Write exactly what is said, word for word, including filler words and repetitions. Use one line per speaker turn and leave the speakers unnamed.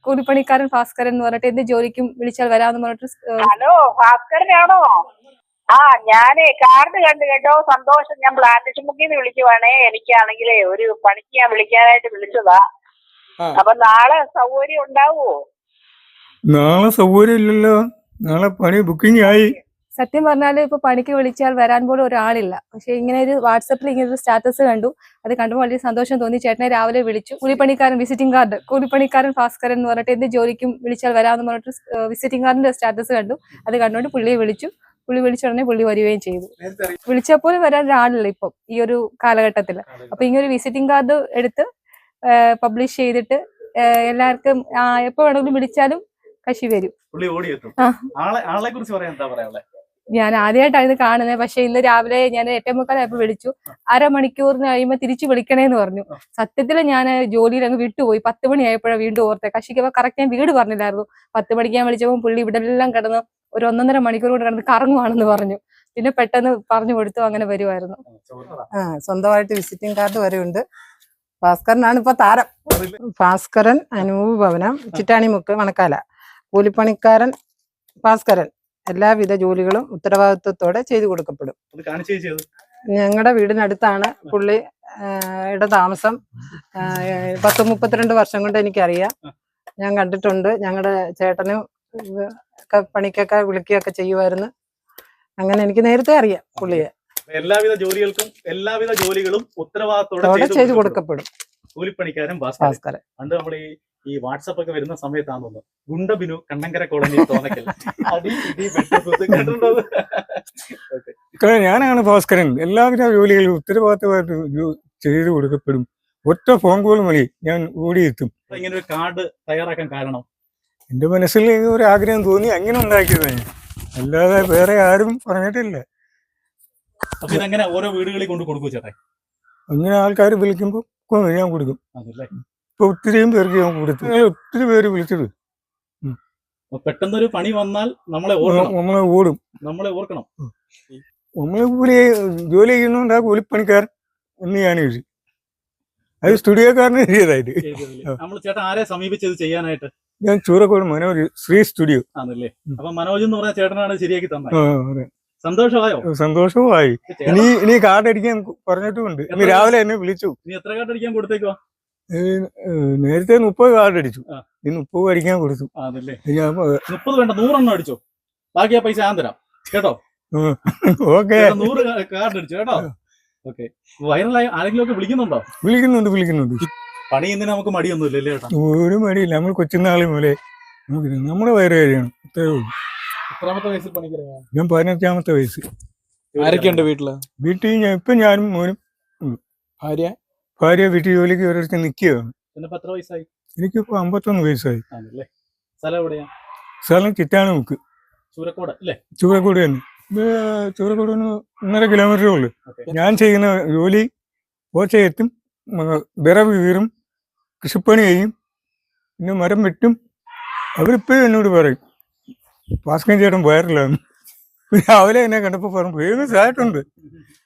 കൂലിപ്പണിക്കാരൻ ഭാസ്കരൻ എന്ന് പറഞ്ഞിട്ട് എന്ത് ജോലിക്കും വിളിച്ചാൽ വരാമെന്ന് പറഞ്ഞിട്ട്.
ഹലോ, ഭാസ്കരനാണോ? ആ, ഞാനേ കാർഡ് കണ്ടു കേട്ടോ, സന്തോഷം. ഞാൻ പ്ലാന്റേഷൻമുക്കിന്ന് വിളിക്കുവാണേ. എനിക്കാണെങ്കിലേ ഒരു പണിക്ക് ഞാൻ വിളിക്കാനായിട്ട് വിളിച്ചതാ. അപ്പൊ നാളെ സൗകര്യം ഉണ്ടാവുമോ?
നാളെ സൗകര്യം ഇല്ലല്ലോ, നാളെ പണി ബുക്കിംഗ് ആയി.
സത്യം പറഞ്ഞാൽ ഇപ്പൊ പണിക്ക് വിളിച്ചാൽ വരാൻ പോലും ഒരാളില്ല. പക്ഷെ ഇങ്ങനെ ഒരു വാട്സപ്പിൽ ഇങ്ങനെ ഒരു സ്റ്റാറ്റസ് കണ്ടു. അത് കണ്ടുമ്പോൾ വലിയ സന്തോഷം തോന്നി. ചേട്ടനെ രാവിലെ വിളിച്ചു. കൂലിപ്പണിക്കാരൻ വിസിറ്റിംഗ് കാർഡ്, കൂലിപ്പണിക്കാരൻ ഭാസ്കരൻ എന്ന് പറഞ്ഞിട്ട് എന്ത് ജോലിക്കും വിളിച്ചാൽ വരാമെന്ന് പറഞ്ഞിട്ട് വിസിറ്റിംഗ് കാർഡിന്റെ സ്റ്റാറ്റസ് കണ്ടു. അത് കണ്ടുകൊണ്ട് പുള്ളിയെ വിളിച്ചു. പുള്ളി വിളിച്ച ഉടനെ പുള്ളി വരികയും ചെയ്തു. വിളിച്ചപ്പോൾ വരാൻ ഒരാളില്ല ഇപ്പം ഈ ഒരു കാലഘട്ടത്തിൽ. അപ്പൊ ഇങ്ങനെ ഒരു വിസിറ്റിംഗ് കാർഡ് എടുത്ത് പബ്ലിഷ് ചെയ്തിട്ട് എല്ലാവർക്കും എപ്പോ വേണമെങ്കിലും വിളിച്ചാലും കശി വരും. ഞാൻ ആദ്യമായിട്ടാണ് കാണുന്നത്. പക്ഷെ ഇന്ന് രാവിലെ ഞാൻ എട്ടേ മുക്കാലായപ്പോ വിളിച്ചു. അരമണിക്കൂറിന് കഴിയുമ്പോ തിരിച്ചു വിളിക്കണേന്ന് പറഞ്ഞു. സത്യത്തിൽ ഞാൻ ജോലിയിൽ അങ്ങ് വിട്ടുപോയി. പത്ത് മണിയായപ്പോഴാണ് വീണ്ടും ഓർത്തെ. കശിക്ക് കറക്റ്റ് ഞാൻ വീട് പറഞ്ഞില്ലായിരുന്നു. പത്ത് മണിക്ക് ഞാൻ വിളിച്ചപ്പോൾ പുള്ളി ഇവിടെ എല്ലാം കിടന്ന് ഒരു ഒന്നൊന്നര മണിക്കൂർ കൊണ്ട് കിടന്ന് കറങ്ങുവാണെന്ന് പറഞ്ഞു. പിന്നെ പെട്ടെന്ന് പറഞ്ഞു കൊടുത്തു. അങ്ങനെ വരുമായിരുന്നു.
ആ, സ്വന്തമായിട്ട് വിസിറ്റിംഗ് കാർഡ് വരെ ഉണ്ട്. ഭാസ്കരനാണ് ഇപ്പൊ താരം. ഭാസ്കരൻ, അനൂപ് ഭവനം, ചിറ്റാണിമുക്ക്, മണക്കാല. കൂലിപ്പണിക്കാരൻ ഭാസ്കരൻ എല്ലാവിധ ജോലികളും ഉത്തരവാദിത്വത്തോടെ ചെയ്തു കൊടുക്കപ്പെടും. ഞങ്ങളുടെ വീടിനടുത്താണ് പുള്ളി യുടെ താമസം. പത്ത് മുപ്പത്തിരണ്ട് വർഷം കൊണ്ട് എനിക്കറിയാം. ഞാൻ കണ്ടിട്ടുണ്ട്. ഞങ്ങളുടെ ചേട്ടനും ഒക്കെ പണിക്കൊക്കെ വിളിക്കുകയൊക്കെ ചെയ്യുമായിരുന്നു. അങ്ങനെ എനിക്ക് നേരത്തെ അറിയാം പുള്ളിയെ.
എല്ലാവിധ ജോലികൾക്കും എല്ലാവിധ ജോലികളും ഉത്തരവാദിത്തോടെ
ചെയ്തു കൊടുക്കപ്പെടും
കൂലിപ്പണിക്കാരൻ ഭാസ്കരൻ. പണ്ട് നമ്മൾ ഈ ഈ വാട്സപ്പ് ഒക്കെ വരുന്ന സമയത്താണെന്ന് ഗുണ്ടബിനു കണ്ണങ്കര കോളനി തോന്നക്കൽ അടി ഇടി
ഞാനാണ് ഭാസ്കരൻ. എല്ലാവിധ ജോലികളും ഉത്തരവാദിത്തമായിട്ട് ചെയ്തു കൊടുക്കപ്പെടും. ഒറ്റ ഫോൺ കോൾ മതി, ഞാൻ ഓടിയെത്തും.
ഇങ്ങനെ ഒരു കാർഡ് തയ്യാറാക്കാൻ കാരണം
എന്റെ മനസ്സിൽ ഒരു ആഗ്രഹം തോന്നി, അങ്ങനെ ഉണ്ടാക്കിയതാണ്. അല്ലാതെ വേറെ ആരും പറഞ്ഞിട്ടില്ല.
അപ്പൊ ഇതെങ്ങനെ ഓരോ വീടുകളിൽ കൊണ്ട് കൊടുക്കും ചേട്ടാ?
അങ്ങനെ ആൾക്കാർ വിളിക്കുമ്പോ ഞാൻ കൊടുക്കും. ഇപ്പൊ ഒത്തിരിയും പേർക്ക് ഞാൻ കൊടുത്തു. ഒത്തിരി പേര് വിളിച്ചത്.
പെട്ടെന്നൊരു പണി വന്നാൽ നമ്മളെ
നമ്മളെ ഓടും.
നമ്മളെ ഓർക്കണം.
നമ്മളെ കൂലി ജോലി ചെയ്യുന്നോണ്ട് ആ കൂലിപ്പണിക്കാരൻ എന്ന് ഞാൻ എഴുതി. അത് സ്റ്റുഡിയോക്കാരന് എഴുതിയതായിട്ട്.
നമ്മൾ ചേട്ടൻ ആരെ സമീപിച്ചത് ചെയ്യാനായിട്ട്?
ഞാൻ ചൂരക്കോട് മനോജ് ശ്രീ സ്റ്റുഡിയോ
ആണല്ലേ. അപ്പൊ മനോജ് എന്ന് പറഞ്ഞ ചേട്ടനാണ് ശരിയാക്കി തന്നെ. സന്തോഷമായോ?
സന്തോഷമായി. ഇനി ഇനി കാർഡ് അടിക്കാൻ പറഞ്ഞിട്ടുമുണ്ട്. ഇന്ന് രാവിലെ എന്നെ വിളിച്ചു.
നീ എത്ര കാർഡ് അടിക്കാൻ കൊടുത്തേക്കോ?
നേരത്തെ മുപ്പത് കാർഡ് അടിച്ചു. ഇനി മുപ്പത് അടിക്കാൻ കൊടുത്തു.
മുപ്പത് വേണ്ട, നൂറെണ്ണം അടിച്ചോ. ബാക്കി ആ പൈസ ഞാൻ തരാം കേട്ടോ.
ഓക്കെ,
നൂറ് കാർഡ് അടിച്ചു കേട്ടോ. ഓക്കെ. വൈറലായി ആരെങ്കിലും ഒക്കെ വിളിക്കുന്നുണ്ടോ?
വിളിക്കുന്നുണ്ട് വിളിക്കുന്നുണ്ട്
പണി ഇന്ന് നമുക്ക് മടിയൊന്നുമില്ല അല്ലേ ചേട്ടാ?
ഒരു മടിയില്ല. നമ്മൾ കൊച്ചുനാളി പോലെ നമുക്ക് നമ്മുടെ വയറ് കഴിയണം, അത്രേ ഉള്ളൂ.
എത്രാമത്തെ വയസ്സിൽ പണിക്കറിയാം?
ഞാൻ പതിനഞ്ചാമത്തെ വയസ്സ്.
ആരൊക്കെയുണ്ട് വീട്ടില്?
വീട്ടിൽ ഞാൻ ഇപ്പൊ ഞാനും മോനും ഉള്ളു.
ഭാര്യ
ഭാര്യ വീട്ടിൽ ജോലിക്ക് ഒരിടത്ത് നിൽക്കുകയാണ്.
എത്ര വയസ്സായി?
എനിക്കിപ്പോ അമ്പത്തൊന്ന് വയസ്സായി.
സ്ഥലം എവിടെയാ?
സ്ഥലം ചിറ്റാണിമുക്ക്,
ചൂരക്കോട് അല്ലേ?
ചൂരക്കോട് തന്നെ. ചൂരക്കോട് ഒന്നര കിലോമീറ്ററേ ഉള്ളു. ഞാൻ ചെയ്യുന്ന ജോലി ഓച്ചയെത്തും, വിറവ് കീറും, കൃഷിപ്പണി ചെയ്യും, പിന്നെ മരം വെട്ടും. അവരിപ്പോഴും എന്നോട് പറയും ഭാസ്കരൻ ചേട്ടൻ വയറിലാണ്. രാവിലെ എന്നെ കണ്ടപ്പോൾ പറഞ്ഞു ഫേമസ് ആയിട്ടുണ്ട്.